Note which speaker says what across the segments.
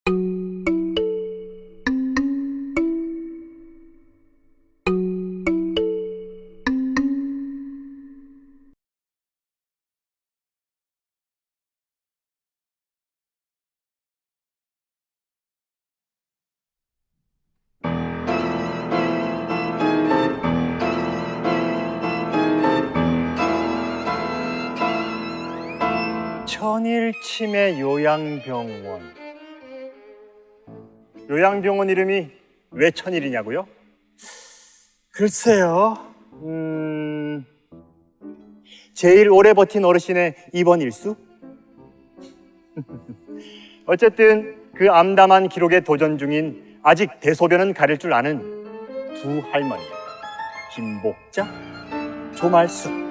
Speaker 1: 천일치매 요양병원. 요양병원 이름이 왜 천일이냐고요? 글쎄요. 제일 오래 버틴 어르신의 입원 일수? 어쨌든 그 암담한 기록에 도전 중인 아직 대소변은 가릴 줄 아는 두 할머니, 김복자, 조말숙.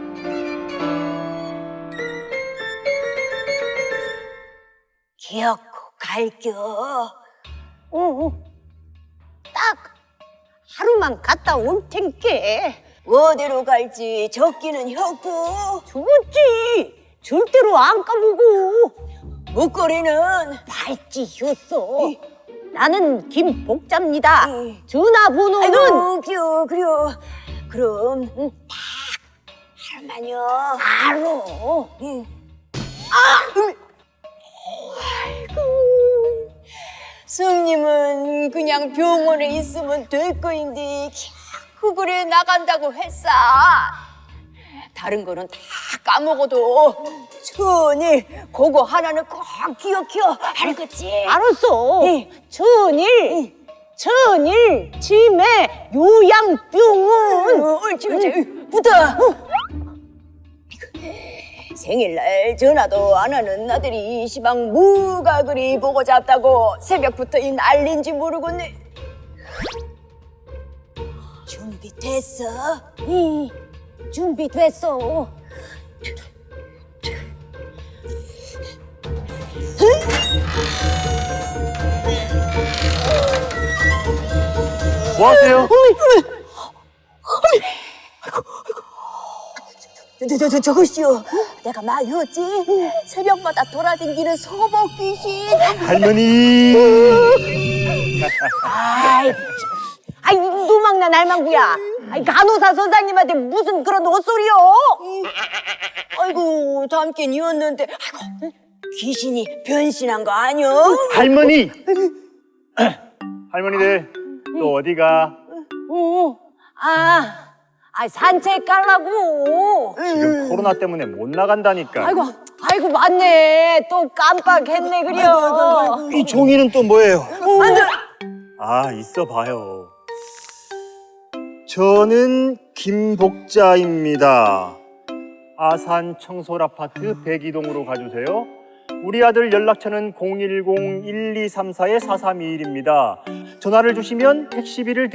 Speaker 2: 기어코 갈겨.
Speaker 3: 딱 하루만 갔다 올 텐께.
Speaker 2: 어디로 갈지 적기는 혔고,
Speaker 3: 죽었지. 절대로 안 까보고.
Speaker 2: 목걸이는
Speaker 3: 발찌였어. 나는 김복자입니다. 전화번호는
Speaker 2: 아이고 그려. 그럼 딱 하루만요.
Speaker 3: 알아.
Speaker 2: 승님은 그냥 병원에 있으면 될 거인데 그 그래 나간다고 했어. 다른 거는 다 까먹어도 천일 그거 하나는 꼭 기억혀. 알겠지?
Speaker 3: 알았어.
Speaker 2: 예.
Speaker 3: 천일 치매 요양병원.
Speaker 2: 옳지. 붙어. 생일날 전화도 안 하는 아들이 시방 뭐가 그리 보고 잡다고 새벽부터 이 난린지 모르겠네. 준비됐어?
Speaker 3: 준비됐어.
Speaker 1: 뭐 하세요?
Speaker 2: 저것이요. 내가 말했지. 새벽마다 돌아다니는 소복 귀신.
Speaker 1: 할머니.
Speaker 3: 아이 노망난 할망구야. 아이 간호사 선생님한테 무슨 그런 헛소리요?
Speaker 2: 아이고 담긴이었는데 아이고 귀신이 변신한 거 아니여?
Speaker 1: 할머니. 할머니들 또 어디가?
Speaker 3: 산책 가려고.
Speaker 1: 지금 코로나 때문에 못 나간다니까.
Speaker 3: 아이고 맞네. 또 깜빡했네 그려.
Speaker 1: 이 종이는 또 뭐예요?
Speaker 3: 안 돼.
Speaker 1: 있어 봐요. 저는 김복자입니다. 아산 청솔아파트 102동으로 가주세요. 우리 아들 연락처는 010-1234-4321입니다. 전화를 주시면 택시비를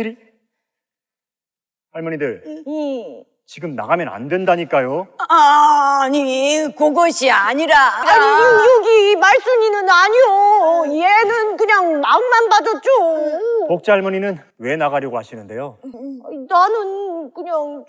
Speaker 1: 할머니들, 지금 나가면 안 된다니까요.
Speaker 2: 아니 그것이 아니라
Speaker 3: 여기 말순이는 아니요. 얘는 그냥 마음만 봐줬죠.
Speaker 1: 복자 할머니는 왜 나가려고 하시는데요?
Speaker 3: 나는 그냥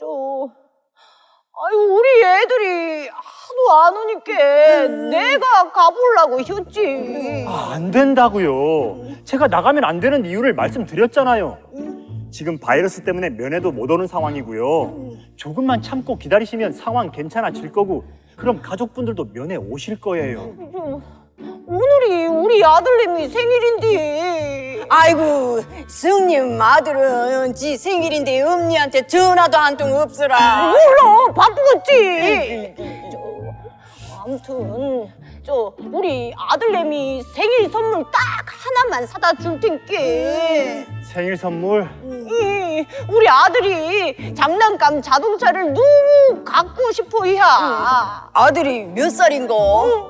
Speaker 3: 우리 애들이 하도 안 오니까 내가 가보려고 했지.
Speaker 1: 안 된다고요. 제가 나가면 안 되는 이유를 말씀드렸잖아요. 지금 바이러스 때문에 면회도 못 오는 상황이고요. 조금만 참고 기다리시면 상황 괜찮아질 거고, 그럼 가족분들도 면회 오실 거예요.
Speaker 3: 오늘이 우리 아들내미 생일인데.
Speaker 2: 아이고 승님 아들은 지 생일인데 엄니한테 전화도 한 통 없으라.
Speaker 3: 몰라, 바쁘겠지. 아무튼 우리 아들내미 생일 선물 딱 하나만 사다 줄 텐께.
Speaker 1: 생일 선물?
Speaker 3: 우리 아들이 장난감 자동차를 너무 갖고 싶어 이야.
Speaker 2: 아들이 몇 살인거?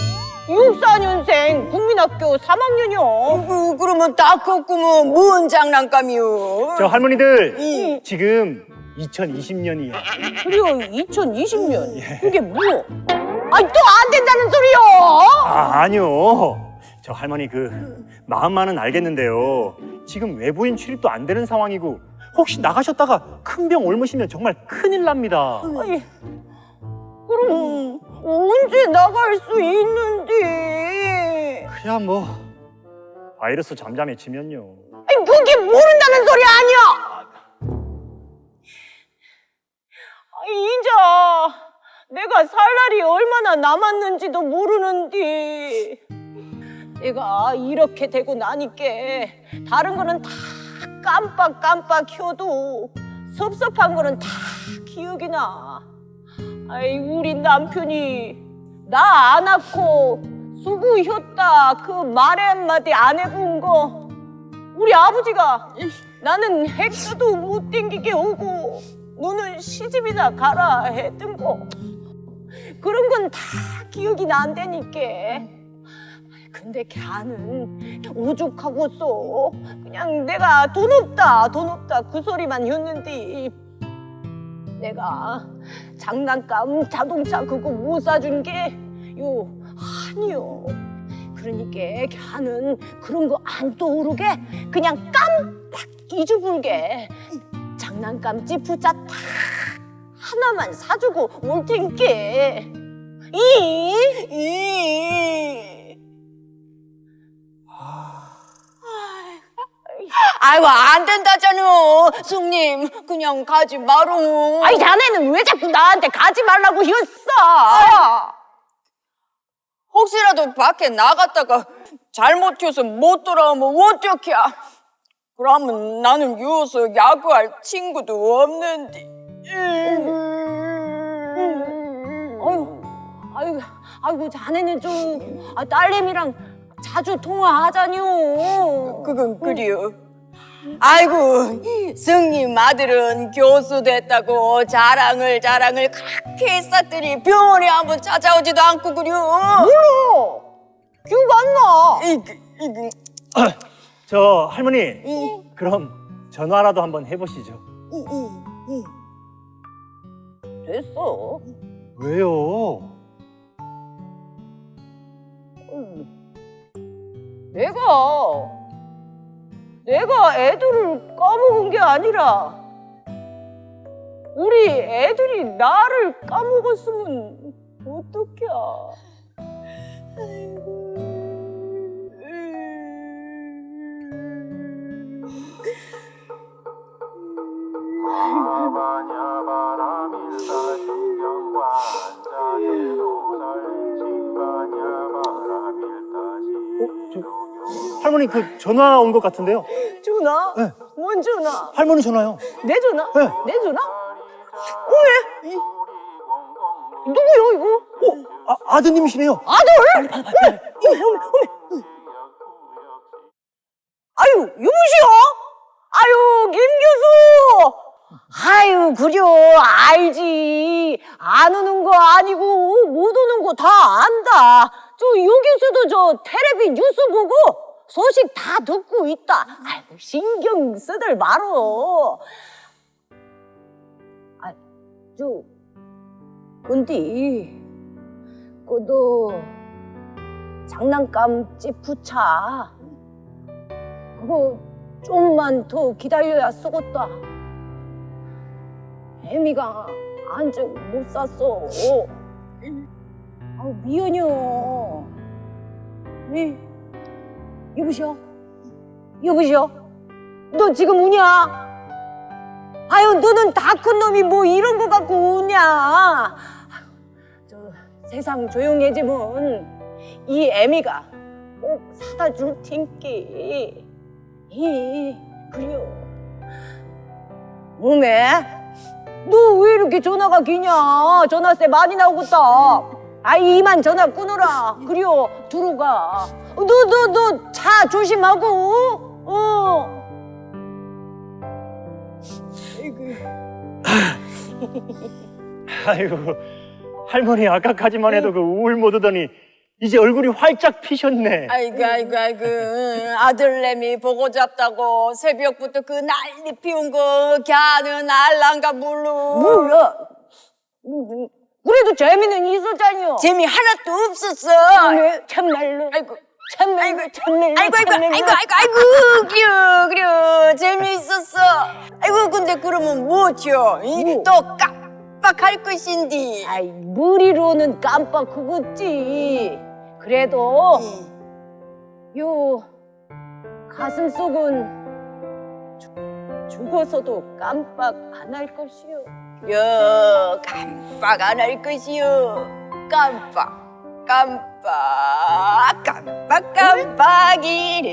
Speaker 3: 64년생 국민학교 3학년이요.
Speaker 2: 그러면 딱 컸구먼. 뭔 장난감이요?
Speaker 1: 저 할머니들, 지금 2020년이에요.
Speaker 3: 그래요, 2020년. 그게 뭐? 또 안 된다는 소리요?
Speaker 1: 아니요. 저 할머니 마음만은 알겠는데요. 지금 외부인 출입도 안 되는 상황이고, 혹시 나가셨다가 큰 병 옮으시면 정말 큰일 납니다.
Speaker 3: 그럼 언제 나갈 수 있는데?
Speaker 1: 그야 뭐 바이러스 잠잠해지면요.
Speaker 3: 아니, 그게 모른다는 소리 아니야. 인자 내가 살 날이 얼마나 남았는지도 모르는디. 내가 이렇게 되고 나니까 다른 거는 다 깜빡깜빡 켜도 섭섭한 거는 다 기억이 나. 아이, 우리 남편이 나 안 낳고 수구혔다 그 말 한마디 안 해본 거, 우리 아버지가 나는 핵도 못 땡기게 오고 너는 시집이나 가라 했던 거, 그런 건 다 기억이 난다니까. 근데 걔는 오죽하고서 그냥 내가 돈 없다 그 소리만 했는데, 내가 장난감 자동차 그거 못 사준 게 요 아니요. 그러니까 걔는 그런 거 안 떠오르게 그냥 깜빡 잊어불게 장난감 지푸차 딱 하나만 사주고 올 텐께.
Speaker 2: 아이고 안 된다잖아. 승님 그냥 가지 마롱.
Speaker 3: 아이, 자네는 왜 자꾸 나한테 가지 말라고 했어?
Speaker 2: 혹시라도 밖에 나갔다가 잘못 튀어서 못 돌아오면 어떡해. 그러면 나는 유서 야구할 친구도 없는데.
Speaker 3: 아이고, 자네는 좀 딸내미랑 자주 통화하자뇨.
Speaker 2: 그건 그래요. 아이고 승님 아들은 교수 됐다고 자랑을 그렇게 했었더니 병원에 한번 찾아오지도 않고 그려.
Speaker 3: 몰라. 기억 안 나.
Speaker 1: 저 할머니, 그럼 전화라도 한번 해보시죠.
Speaker 3: 됐어.
Speaker 1: 왜요?
Speaker 3: 내가 애들을 까먹은 게 아니라 우리 애들이 나를 까먹었으면 어떡해.
Speaker 4: 하바냐 바람일다 신경과 한자에도 살신바냐 바람일다
Speaker 1: 할머니 그 전화 온 것 같은데요?
Speaker 3: 전화?
Speaker 1: 네.
Speaker 3: 뭔 전화?
Speaker 1: 할머니 전화요.
Speaker 3: 내 전화?
Speaker 1: 네.
Speaker 3: 내 전화? 누구요 이거?
Speaker 1: 아드님이시네요.
Speaker 3: 아들? 어메. 아유, 여보시오? 아유, 김 교수! 아유, 그려, 알지. 안 오는 거 아니고 못 오는 거 다 안다. 저 유 교수도 저 텔레비 뉴스 보고 소식 다 듣고 있다. 아이고, 신경 쓰들 말어. 근데 그도 장난감 지푸차 그거 좀만 더 기다려야 쓰겄다. 애미가 안적 못 샀어. 미안해요. 왜? 여보시오? 너 지금 우냐? 아유, 너는 다 큰 놈이 뭐 이런 거 갖고 우냐? 저 세상 조용해지면 이 애미가 꼭 사다 줄 텐께. 그래요. 어메? 너 왜 이렇게 전화가 기냐? 전화세 많이 나오겠다. 이만 전화 끊어라. 그래요, 들어가. 너 차 조심하고.
Speaker 1: 아이고, 할머니 아까까지만 해도 그 우울 못 오더니 이제 얼굴이 활짝 피셨네.
Speaker 2: 아이고 아들내미 보고 잡다고 새벽부터 그 난리 피운 거 걔는 알란가 몰라.
Speaker 3: 그래도 재미는 있었잖여.
Speaker 2: 재미 하나도 없었어.
Speaker 3: 참말로.
Speaker 2: 아이고 그래 재미있었어. 아이고 근데 그러면 뭐죠? 또 깜빡할 것인디.
Speaker 3: 머리로는 깜빡하겠지. 그래도 가슴 속은 죽어서도 깜빡 안 할 것이요.
Speaker 2: 여 깜빡 안 할 것이요. 깜빡이래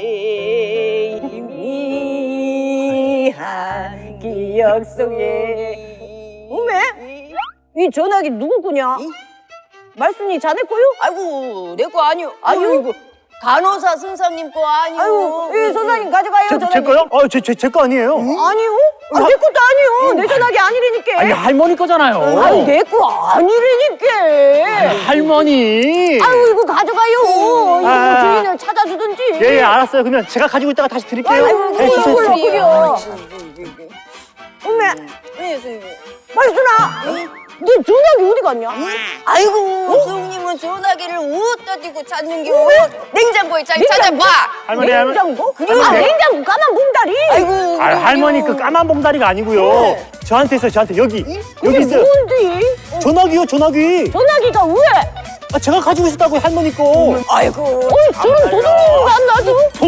Speaker 2: 희미한
Speaker 3: 기억 속에. 어메? 이 전화기 누구 거냐? 말순이 자네 거요?
Speaker 2: 아이고 내 거 아니요.
Speaker 3: 아유.
Speaker 2: 아이고 간호사 선생님 거 아니요.
Speaker 3: 아유, 이 선생님 가져가요.
Speaker 1: 제
Speaker 3: 전화기.
Speaker 1: 거요? 제 거 아니에요.
Speaker 3: 아니요? 아, 내 것도 아니요. 내 전화기 아니라니까.
Speaker 1: 아니 할머니 거잖아요.
Speaker 3: 아니, 내 거 아니라니까.
Speaker 1: 할머니.
Speaker 3: 아유, 이거 가져가요. 이거
Speaker 1: 아.
Speaker 3: 주인을 찾아주든지.
Speaker 1: 예, 알았어요. 그러면 제가 가지고 있다가 다시 드릴게요.
Speaker 3: 아이고,
Speaker 1: 네, 주세요.
Speaker 3: 그걸로 그려. 어메,
Speaker 2: 네, 선생님.
Speaker 3: 말순아. 네 전화기 어디 갔냐?
Speaker 2: 아이고 선생님은 전화기를 어디다 두고 찾는겨. 냉장고에 잘 찾아봐.
Speaker 1: 할머니,
Speaker 3: 냉장고?
Speaker 1: 할머니.
Speaker 3: 아, 냉장고 까만 봉다리.
Speaker 2: 아이고
Speaker 1: 할머니 그 까만 봉다리가 아니고요. 저한테 있어요. 저한테 여기
Speaker 3: 이게
Speaker 1: 있어요.
Speaker 3: 뭔데?
Speaker 1: 전화기요, 전화기.
Speaker 3: 전화기가 왜?
Speaker 1: 아, 제가 가지고 있었다고 할머니 거.
Speaker 2: 아이고
Speaker 3: 저런 도둑놈도 안 놔줘?